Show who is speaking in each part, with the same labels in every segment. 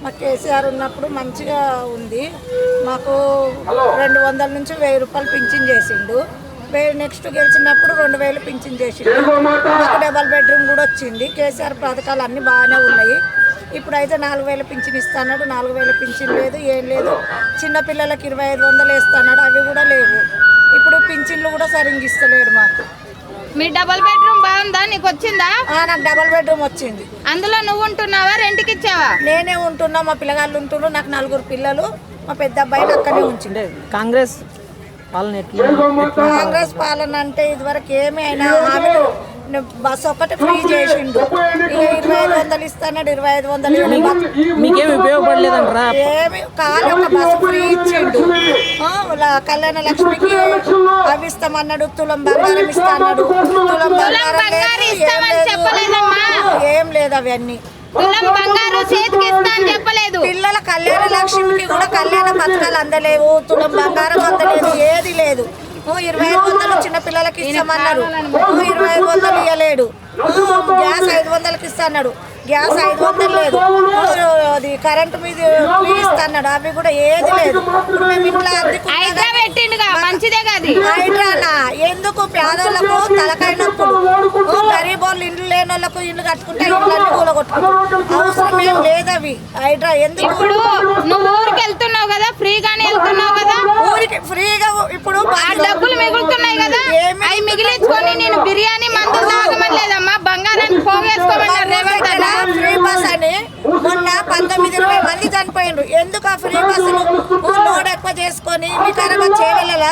Speaker 1: మా కేసీఆర్ ఉన్నప్పుడు మంచిగా ఉంది. మాకు 200 నుంచి 1000 రూపాయలు పింఛన్ చేసిండు. నెక్స్ట్ గెలిచినప్పుడు 2000 పింఛన్ చేసిండు. మాకు డబల్ బెడ్రూమ్ కూడా వచ్చింది. కేసీఆర్ పథకాలు అన్నీ బాగానే ఉన్నాయి. ఇప్పుడైతే 4000 పింఛన్ ఇస్తున్నాడు. 4000 పింఛన్ లేదు, ఏం లేదు. చిన్నపిల్లలకు 2500 వేస్తున్నాడు, అవి కూడా లేవు. ఇప్పుడు పింఛన్లు కూడా సరిగ్గా ఇస్తలేడు మాకు.
Speaker 2: మీ డబల్ బెడ్రూమ్ బాగుందా? నీకు వచ్చిందా?
Speaker 1: నాకు డబల్ బెడ్రూమ్ వచ్చింది.
Speaker 2: అందులో నువ్వు ఉంటున్నావా, రెంట్కి ఇచ్చావా?
Speaker 1: నేనే ఉంటున్నా, మా పిల్లగాళ్ళు ఉంటున్నారు. నాకు 4 పిల్లలు. మా పెద్ద అబ్బాయిని అక్కడే ఉంచిండే.
Speaker 3: కాంగ్రెస్ పాలన
Speaker 1: కాంగ్రెస్ పాలన అంటే ఇదివరకు ఏమి అయినా హామీలు బస్సు ఒక్కటి ఫ్రీ చేసిండు. 2500 ఇస్తున్నాడు, 2500
Speaker 3: మీకేమి ఉపయోగపడలేదంటారా?
Speaker 1: ఏమి కాదు, ఒక బస్సు ఫ్రీ ఇచ్చిండు. కళ్యాణ లక్ష్మికి అవి ఇస్తామన్నాడు, తులం బంగారం ఇస్తాడు. తులం బంగారం ఏం లేదు, అవన్నీ పిల్లల కళ్యాణ లక్ష్మికి కూడా కళ్యాణ పథకాలు అందలేవు, తులం బంగారం అందలేదు, ఏది లేదు. 2500 చిన్న పిల్లలకి ఇస్తామన్నారు, 2500 ఇవ్వలేడు. గ్యాస్ 500కి ఇస్తాడు, గ్యాస్ 500 లేదు. అది కరెంటు మీద ఇస్తాడు, అవి కూడా ఏది లేదు. హైడ్రానా ఎందుకు? పేదోళ్లకు తలకాయ నొప్పులు, గరీబ్ వాళ్ళు ఇండ్లు లేని వాళ్ళకు ఇల్లు కట్టుకుంటే ఇళ్ళన్నీ కూలగొట్టుకుంటారు. అవసరం ఏం లేదు అవి. హైడ్రా ఎందుకు?
Speaker 2: ఇప్పుడు నువ్వు ఊరికి వెళ్తున్నావు కదా, ఫ్రీగానే వెళ్తున్నావు కదా.
Speaker 1: ఊరికి ఫ్రీగా ఇప్పుడు
Speaker 2: డబ్బులు మిగులుతున్నాయి కదా, అవి మిగిలించుకొని నేను బిర్యానీ మందులు తాగమని లేదమ్మా, బంగారాన్ని పోగేసుకోమన్నారు రేవంత్ అన్న.
Speaker 1: ఫ్రీ బస్ అని మొన్న 19-20 మంది చనిపోయిండ్రు. ఎందుకు ఆ ఫ్రీ బస్సులు లోడ్ ఎక్కువ చేసుకొని వికారాబాద్ చేవెళ్ళ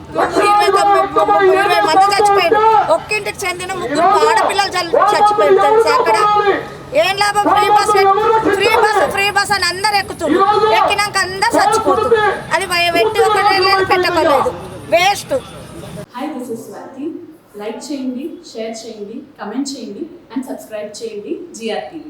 Speaker 1: 20 మంది చచ్చిపోయిండ్రు. ఒక్కింటికి చెందిన 3 ఆడపిల్లలు చచ్చిపోయింది తెలుసా అక్కడ. ఏం లాభం? ఫ్రీ బస్ అని అందరు ఎక్కుతున్నారు. ఎక్కినాక అందరు చచ్చిపోతుంది. అది పెట్టి ఒకటి పెట్టలేదు, waste.
Speaker 4: Hi, this is Swathi. Like చేయండి, షేర్ చేయండి, కమెంట్ చేయండి అండ్ సబ్స్క్రైబ్ చేయండి GR TV.